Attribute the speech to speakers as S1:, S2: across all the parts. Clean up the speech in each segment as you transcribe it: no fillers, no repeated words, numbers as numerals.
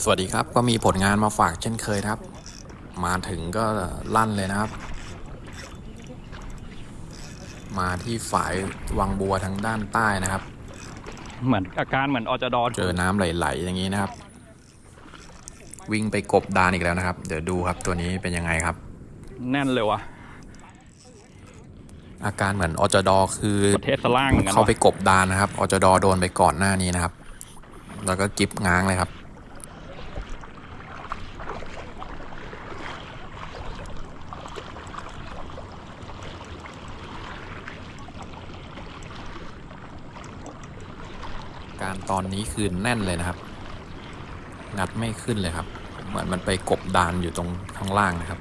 S1: สวัสดีครับก็มีผลงานมาฝากเช่นเคยครับมาถึงก็ลั่นเลยนะครับมาที่ฝายวังบัวทางด้านใต้นะครับ
S2: เหมือนอาการเหมือนอจด
S1: เจอน้ำไหลๆอย่างนี้นะครับวิ่งไปกบดานอีกแล้วนะครับเดี๋ยวดูครับตัวนี้เป็นยังไงครับ
S2: แน่นเลยวะ
S1: อาการเหมือนอจดคือ
S2: ประเทศสล่างกัน
S1: เขาไปกบดานนะครับอจดโดนไปก่อนหน้านี้นะครับแล้วก็กิบง้างเลยครับการตอนนี้คือแน่นเลยนะครับงัดไม่ขึ้นเลยครับเหมือนมันไปกบดานอยู่ตรงข้างล่างนะครับ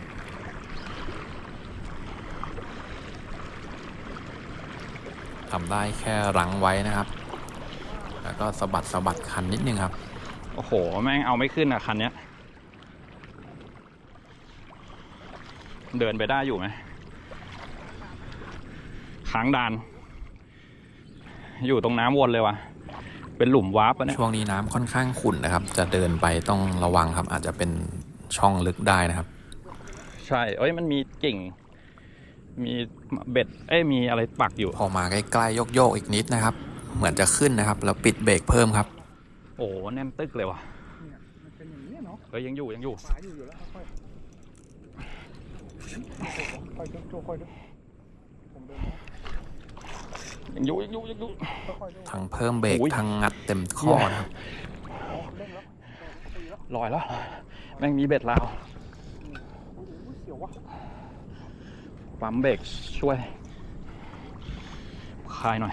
S1: ทำได้แค่รั้งไว้นะครับแล้วก็สะบัดคันนิดนึงครับ
S2: โอ้โหแม่งเอาไม่ขึ้นอ่ะคันเนี้ยเดินไปได้อยู่ไหมค้างดานอยู่ตรงน้ำวนเลยวะเป็นหลุมวาร์ปเนี่ย
S1: ช่วงนี้น้ำค่อนข้างขุ่นนะครับจะเดินไปต้องระวังครับอาจจะเป็นช่องลึกได้นะครับ
S2: ใช่เอ้ยมันมีกิ่งมีเบ็ดมีอะไรปักอยู่
S1: พอมาใกล้ๆโยกอีกนิดนะครับเหมือนจะขึ้นนะครับแล้วปิดเบรกเพิ่มครับ
S2: โอ้แน่นตึกเลยวะเฮ้ยยังอยู่ยังอยู่
S1: ทั้งเพิ่มเบรกทั้งงัดเต็มข้อนะครับ
S2: ลอยแล้วแม่งมีเบ็ดลาวปั๊มเบรกช่วยคลายหน่อย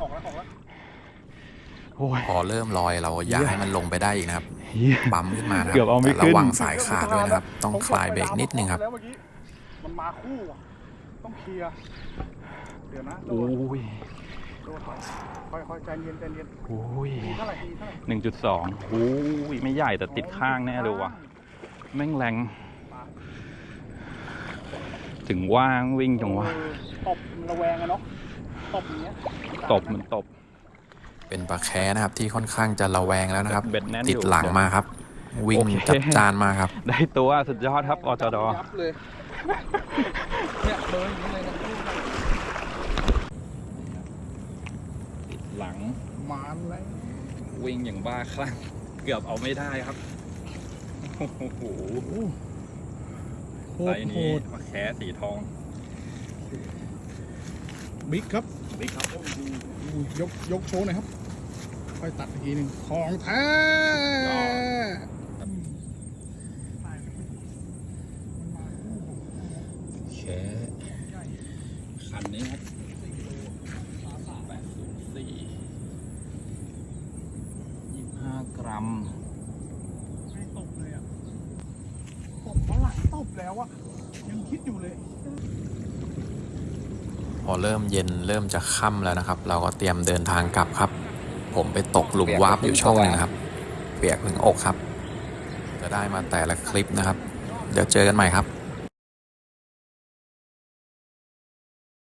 S1: พอเริ่มลอยเราอย่าให้มันลงไปได้อีกนะครับปั๊มขึ้นมานะครั
S2: บแต่
S1: ระวังสายขาดด้วยนะครับต้องคลายเบรกนิดนึงครับ
S3: มันมาคู่ต้องเคลียร์เดี๋ยวนะค่อยใจเย็นเท่าไหร่
S2: 1.2ไม่ใหญ่แต่ติดข้างแน่เลยว่ะแม่งแรงถึงว่างวิ่งจังวะ
S3: ตบระแวงอะเนาะตบอย่างเงี้ย
S2: มันตบ
S1: เป็นปลาแคนะครับที่ค่อนข้างจะระแวงแล้วนะครับติดหลังมาครับวิ่งจัดจานมาครับ
S2: ได้ตัวสุดยอดครับอจด
S3: เนี่ยเบอร์อย่างนี้เลยนะ
S2: ติดหลัง
S3: มาเลย
S2: วิ่งอย่างบ้าคลั่งเกือบเอาไม่ได้ครับโอ้โหไซส์นี้ปลาแคสีทอง
S3: บิ๊กครับยกโชว์หน่อยครับค่อยตัดอีกทีหนึ่งของแท้
S2: แค่คันนี้ครับ804 25 กรัม
S3: ไม่ตบเลยอ่ะตบเท่าไหร่ตบแล้วอ่ะยังคิดอยู่เลย
S1: พอเริ่มเย็นเริ่มจะค่ำแล้วนะครับเราก็เตรียมเดินทางกลับครับผมไปตกหลุมวาร์ปอยู่ช่องนึงครับเปียกถึงอกครับจะได้มาแต่ละคลิปนะครับเดี๋ยวเจอกันใหม่ครับ